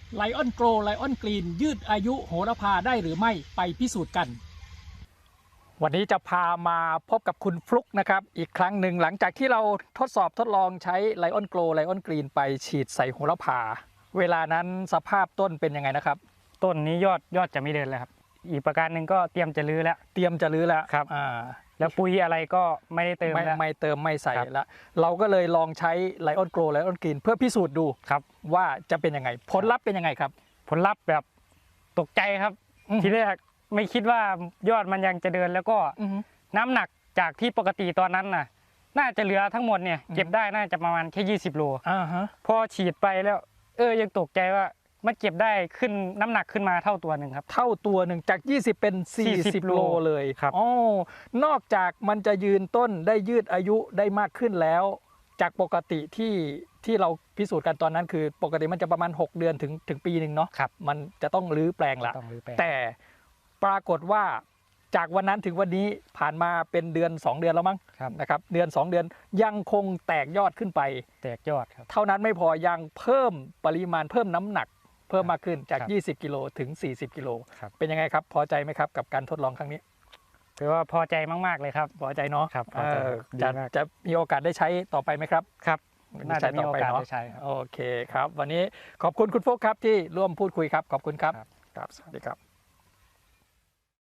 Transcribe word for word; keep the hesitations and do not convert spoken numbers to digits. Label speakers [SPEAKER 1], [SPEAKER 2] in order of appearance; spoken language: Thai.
[SPEAKER 1] ไลออนโกลไลออนกรีนยืดอายุโหระพาได้หรือไม่ไปพิสูจน์กันวันนี้จะพามาพบกับคุณฟลุกนะครับอีกครั้งหนึ่งหลังจากที่เราทดสอบทดลองใช้ไลออนโกลไลออนกรีนไปฉีดใส่โหระพาเวลานั้นสภาพต้นเป็นยังไงนะครับ
[SPEAKER 2] ต้นนี้ยอดยอดจะไม่เดินแล้วครับอีกประการหนึ่งก็เตรียมจะรื้อแล้ว
[SPEAKER 1] เตรียมจะรื้อแล้ว
[SPEAKER 2] ครับ
[SPEAKER 1] อ่า
[SPEAKER 2] แล้วปุ๋ยอะไรก็ไม่ได้เติมแล้ว
[SPEAKER 1] ไม่เติมไม่ใส่แล้วเราก็เลยลองใช้ไลออนโกลไลออนกรีนเพื่อพิสูจน์ดู
[SPEAKER 2] ครับ
[SPEAKER 1] ว่าจะเป็นยังไงผลลัพธ์เป็นยังไงครับ
[SPEAKER 2] ผลลัพธ์แบบตกใจครับทีแรกไม่คิดว่ายอดมันยังจะเดินแล้วก็น้ำหนักจากที่ปกติตอนนั้นน่ะน่าจะเหลือทั้งหมดเนี่ยเก็บได้น่าจะประมาณแค่ยี่สิบโล
[SPEAKER 1] อ่าฮะ
[SPEAKER 2] พอฉีดไปแล้วเออยังตกใจว่ามันเก็บได้ขึ้นน้ำหนักขึ้นมาเท่าตัวหนึ่งครับ
[SPEAKER 1] เท่าตัวหนึ่งจากยี่สิบเป็นสี่สิบโลเลย
[SPEAKER 2] ครับ
[SPEAKER 1] อ๋อนอกจากมันจะยืนต้นได้ยืดอายุได้มากขึ้นแล้วจากปกติที่ที่เราพิสูจน์กันตอนนั้นคือปกติมันจะประมาณหกเดือนถึงถึงปีหนึ่งเนาะ
[SPEAKER 2] ครับ
[SPEAKER 1] มันจะต้องรื้อแปลงละแต่ปรากฏว่าจากวันนั้นถึงวันนี้ผ่านมาเป็นเดือนสองเดือนแล้วมั้งนะครับเดือนสองเดือนยังคงแตกยอดขึ้นไป
[SPEAKER 2] แตกยอดครับ
[SPEAKER 1] เท่านั้นไม่พอยังเพิ่มปริมาณเพิ่มน้ำหนักเพิ่มมากขึ้นจากยี่สิบกิโลถึงสี่สิบกิโลเป็นยังไงครับพอใจไหมครับกับการทดลองครั้งนี้
[SPEAKER 2] คือว่าพอใจมากๆเลยครับ
[SPEAKER 1] พอใจเนาะ
[SPEAKER 2] ครับ
[SPEAKER 1] จะจะมีโอกาสได้ใช้ต่อไปไหมครับ
[SPEAKER 2] ครับน่าจะมีโอกาสได้ใช้
[SPEAKER 1] โอเคครับวันนี้ขอบคุณคุณโฟกครับที่ร่วมพูดคุยครับขอบคุณครับครับสวัสดีครับ